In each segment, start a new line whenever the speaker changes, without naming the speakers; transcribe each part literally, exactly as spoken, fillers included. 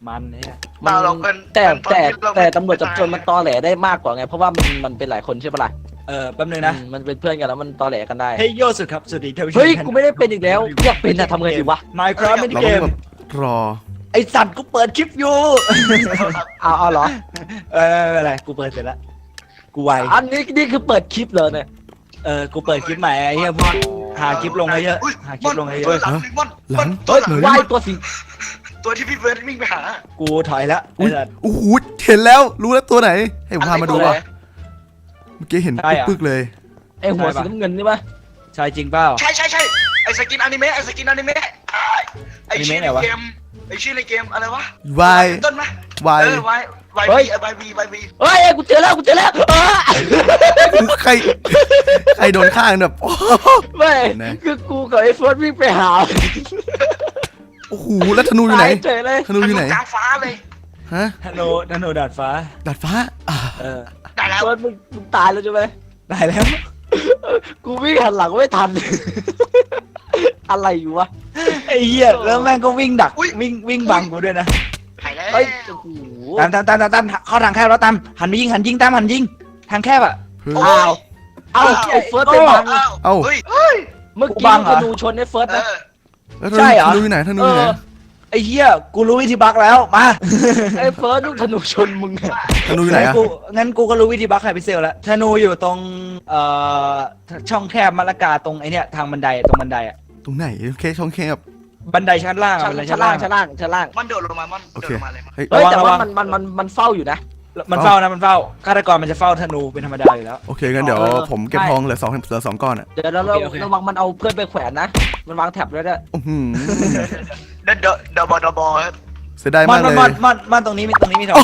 มันเนี่ย
เราเราเป็น
แต่แต่แต่ตำรวจจับโจรมันตอแหลได้มากกว่าไงเพราะว่ามันมันเป็นหลายคนใช่ปะล่ะ
เออแป๊บนึงนะ
มันเป็นเพื่อนกันแล้วมันตอแหลกันได้
เฮ้ยโยสุดครับสวัสดีท่านผู้ชม
เฮ้ยกูไม่ได้เป็นอีกแล้วอยากเป็นอะทำไงดีวะ
Minecraft ไม่ได้
เรา
เก
ต้อง
ม
แบบรอ
ไอสัตว์กูเปิดคลิปอยู่
เอาเอาเหรอ
เออไม่เป็นไรกูเปิดเสร็จแล้วกูไว
อันนี้นี่คือเปิดคลิปเลยเนี่ย
เออกูเปิดคลิปใหม่ไอ้เหี้ยพวกหาคลิปลงเยอะหาคลิปลงเยอะ
หลังมอน
หลัง
ตัวหลัง
ว่ายตัวสี
ตัวที่พี่เบิร์ดวิ่งไปหา
กูถอยแล้วไอ้
อุ้ย
สัตว์
โอ้โหเห็นแล้วรู้แล้วตัวไหนให้ผมพามาดูว่ะเมื่อกี้เห็น
ใช่เหรอ
ปึ๊กๆเลย
ไอหัวสีน้ำเงินนี่ปะ
ใช่จริงเปล่า
ใช่ใช่ใช่ไอสกินอนิเมะไอสกินอนิเมะไอชื่อในเกมไอชื่อในเกมอะไรวะ
วาย
ต้นไหม
วาย
เออวายวายบีวายบีวายบี
เฮ้ยกูเจอแล้วกูเจอแล้วเออ
ใครใครโดนข้างแบบโอ้
ไม่
นะ
คือกูกับไอ้เฟิร์สวิ่งไปหา
โอ้โหแล้วธนูอยู่ไหน
ตายเฉยเลย
ธนูอยู่ไหน
กลางฟ้าเลย
ฮะ
ธนูธนูดาดฟ้า
ดาดฟ้าอ่า
เออ
ได้แล้ว
เฟิร์สมึงมึงตายแล้วใช่ไหม
ได้แล้ว
กูวิ่งหันหลังไม่ทัน อะไรอยู่วะ
ไอ้เหี้ยแล้วแม่งก็วิ่งดักวิ่งวิ่งบังกูด้วยนะ
หายแล้ว
เฮ้ยโอ้โห
ตามตามตามตามตามเข้าทางแคบแล้วตามหันไปยิงหันยิงตามหันยิงทางแคบอ่ะ
เฮ้ย
อ้าวเอาไอ้เฟิร์สไปบัง
เอ้า
เฮ้ยเฮ้ย
เมื่อ
กู
กี้
บังเหรอ
ธนูชนไอ้เฟิร์ส
เอ
นะ
อ
แล้วธ
ใช่
นู
เหรอ
ธนูอยู่ไหนธนูอยู่ไหน
ไอ้เหี้ยกูรู้วิธีบักแล้วมา
ไอ้เฟิร์สลูกธนูชนมึงอะ
ธนูอยู่ไหน
งั้น
อะ
กูงั้นกูก็รู้วิธีบักไฮพิเซลแล้วธนูอยู่ตรงเอ่อช่องแคบมะละกาตรงไอเนี้ยทางบันไดตรงบันไดอ่ะ
ตรงไหนโอเคช่องแคบ
บันไดชั้นล่างอะ
ชั้น
บันได
ชั้
ชั้
น
น
ล่า
ล่าง ง
ชั้นล่างชั้นล่าง
มันโดดลงมามัน
โอ
โด
เค
ดลงมาเลยมัน
เฮ้ย
เฮ้ย
ระวัง
แต่
ระวั
ว่าง มันมันมันมันเฝ้าอยู่นะ
มันเฝ้านะมันเฝ้าฆาตกรมันจะเฝ้าธนูเป็นธรรมดาอยู่แล้ว
โอเคงั้นเดี๋ยว
เออ
ผมเก็บ
ใช่
ทองเหลือสองเหลือสองก้อนอ่ะ
เดี๋ยวเรา
โอเคโอเค
ระวังมันเอาเพื่อนไปแขวนนะ มันวางแท็บด้วยนะ
อื้อหือ
เดินเดอะเดอะบอลเดอะบอลครับ
เสียดาย
มั
มาน ก
มัน
เล
มัน
ย
มันมันตรงนี้มีตรงนี้มีทอง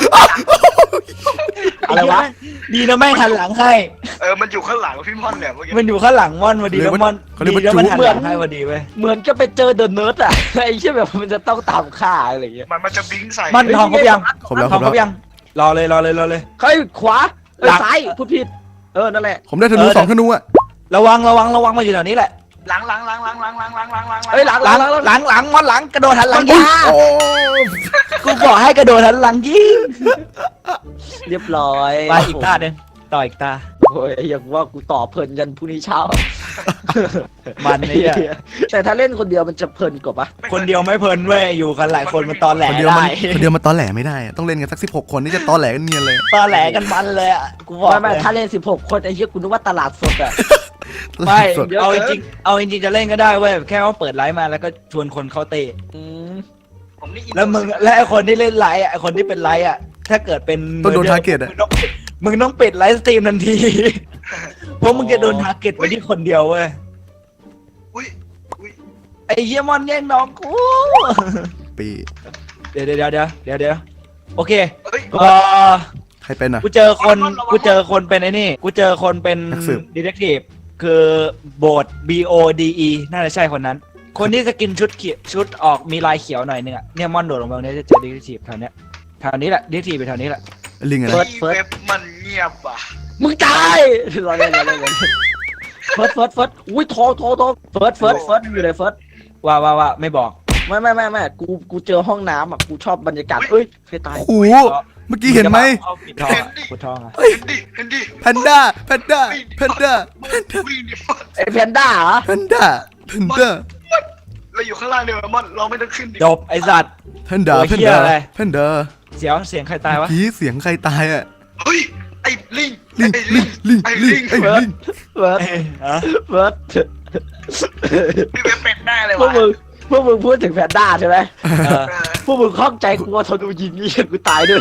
อะไรวะ
ดีนะแม่งหันหลังให้
เออมันอยู่ข้างหลังพี่ม่อนเนี่ยเมื่อกี้
มันอยู่ข้างหลังม่อนพอดีแล้วม่อน
เขาเรียกว่า
ดีแล้วมัน
จุ๊
หันหลังให้พอดีเว้ย
เหมือนจะไปเจอเดอะเนิร์ดอะ ไอ้เชี่ยแบบมันจะต้องตามฆ่าอะไรอย่างเงี้ย
มันมันจะบิงใส่
มันทองครบยัง
ครบแล้ว
ท
คร
อง
บ
ครบ
แล้ว
ยังรอเลยรอเลยรอเลย
เฮ้ยขวาเอ้ย
หลัง
ซ้ายพูดผิด เออนั่นแหละ
ผมได้ธนู
เออ
สองธนูอ่ะ
ระวังระวังระวังมาอยู่แถวนี้แหละ
หลังหลังหลังหลังหลังหลังหลังหลังหลัง
เอ้ยหลัง
หลังหลังหลังม่อนหลังกระโดดหันหลังยิง
โอ้
กูบอกให้กระโดดหันหลังยิง
เรียบร้อย
ไปอีกตาหนึ่งต่ออีกตา
โอ้ยอย่างว่ากูต่อเพลินยันพรุ่งนี้เช้า
มัน
ไอ้
เนี่ย
เหี้ยแต่ถ้าเล่นคนเดียวมันจะเพลินกว่าปะ
คนเดียวไม่เพลินเว้ยอยู่กันหลายคนมันตอนแหล
คนเดียวมัน
ได้
คนเดียวมันตอแหลไม่ได้อะต้องเล่นกันสักสิบหกคนนี่จะตอแหลกันเนียนเลย
ตอนแหลกันมันเลยอ่ะกูบอก
ไม่ไม่
เลย
ถ้าเล่นสิบหกคนไอ้เหี้ยกูนึกว่าตลาดสดอะ
ไม่
สด
เอาจริงๆเอาจริงๆจะเล่นก็ได้เว้ยแค่ว่าเปิดไลฟ์มาแล้วก็ชวนคนเขาเตะ
อืม
ผมนี่อิน
แล้วมึงและไอคนที่เล่นไลฟ์อ่ะไอคนที่เป็นไลฟ์อ่ะถ้าเกิดเป็น
ต้องโดน target อะ
มึงต้องมึงต้องปิดไลฟ์สตรีมทันที เพราะมึงจะโดนทาร์เก็ตไปที่คนเดียวเว้ย
อุ้ยอุ้ย
ไอเยี่ยมอนแย่งน้องกู
ปี
เดี๋ยวเดี๋ยวเดี๋ยวเดี๋ยวเดี๋ยวโอเค
เฮ้ย
เออ
ใครเป็นอ่ะ
กูเจอคนกูเจอคนเป็นไอ้นี่กูเจอคนเป็น
นักสืบ
ดีเทคทีฟคือโบด B O D E น่าจะใช่คนนั้น คนที่สกินชุดเขียวชุดออกมีลายเขียวหน่อยนึงอ่ะเนี่ยมอนโดดลงมาตรงนี้จะเจอดีเทคทีฟแถวเนี้ยแถวนี้แหละดีเทคทีฟไปแถวนี้แหละ
ลิงอะ
เฮ้
ไร
ยเว็บมันเงียบอ่ะ
มึงตายรอเล่นรอเล่นรอเล่นเฟิร์สเฟิร์สเฟิร์สอุ้ยทองทองทองเฟิร์สเฟิร์สเฟิร์สอยู่ไหนเฟิร์ส
ว่าว่าว่าไม่บอก
ไม่ไม่ไม่ไม่กูกูเจอห้องน้ำอ่ะกูชอบบรรยากาศเอ้ยใครตาย
โอ้โหเมื่อกี้เห็นไหม
เอาปิดทองอะปิดทองอะ
เห็นดิเห็นดิ
แพนด้าแพนด้าแพนด้า
วิ่งดิม่อน
ไอ้แพนด้าเหรอ
แพนด้าแพนด้า
เราอยู่ข้างล่างเดียวม่อนเราไม่ต้องขึ้นดิ
จบไอสัตว์
แพนด้า
โอ้ย
แพน
เหี้ย
ด้า
อะไร
แพนด้า
เสียวเสียงใครตายวะ
ผีเสียงใครตายอ่ะ
เฮ้ยไอ้ลิง
ลิง
ไอ้
ลิ
ลิ
ง
ง
ลิง
ไอ้
ลิ
ลิ
ง
ง
ไอ้ลิง
เฟิร์ส
เอ้ยฮะ
เฟิร์ส
พี่เว็บเป็ดได้เลย
พวก
ว่ะ
มึงพวกมึงพูดถึงแพนด้าใช่ไหม
เออ
เออ
พวกมึงข้องใจกูว่าทนดูยิงนี่กูตายด้วย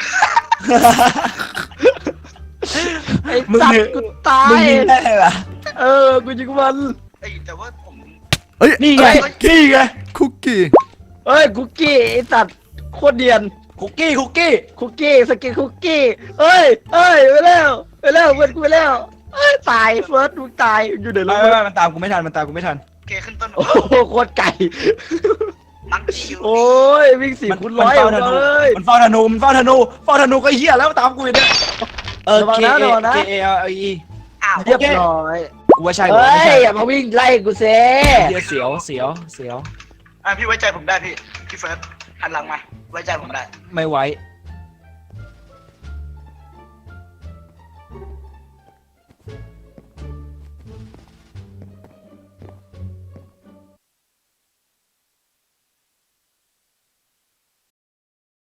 ไอ้
มึง
สัต
เนี่ย
ว์กูตาย
มึงยิงได้เหรอ
เออกูยิงมัน
ไอ้แต่ว่าผม
เอ้ย
นี่ไงนี่ไง
คุกกี้
เอ้ยคุกกี้ไอ้สัตว์โคตรเดียน
คุกกี้คุกกี้
คุกกี้สกินคุกกี้เอ้ยเอ้ยไปแล้วไปแล้วเพื่อนกูไปแล้วเอ้ยตายเฟิร์สมึงตายอยู่เดี๋ยว
ไม่
รู้
ไม่ไม่มันตามกูไม่ทันมันตามกูไม่ทัน
เกขึ้นต้น
โอ้โหโคตรไก่
ลังจิว
โอ้ยวิ่งสี่
มัน
คูณร้อย
มันเฝ้าธนู
เลย
มันเฝ้าธนูมันเฝ้าธนูเฝ้าธนูก็เหี้ยแล้วตามกูอีกเนี่ยเออ
ระวัง
K
นะ
A
ระวังนะ
K A L E
อ้าว
เรียบร้อย
กูว่าใช่กู
เฮ้
ว่าไม่
ย
ใช่
อย่ามาวิ่งไล่กูเซ่
เหี้ยเสียวเสียวเสียว
อ่ะพี่ไว้ใจผมได้พี่พี่เฟิร์สหันหลังมาไว้ใจผมได้
ไม่ไว้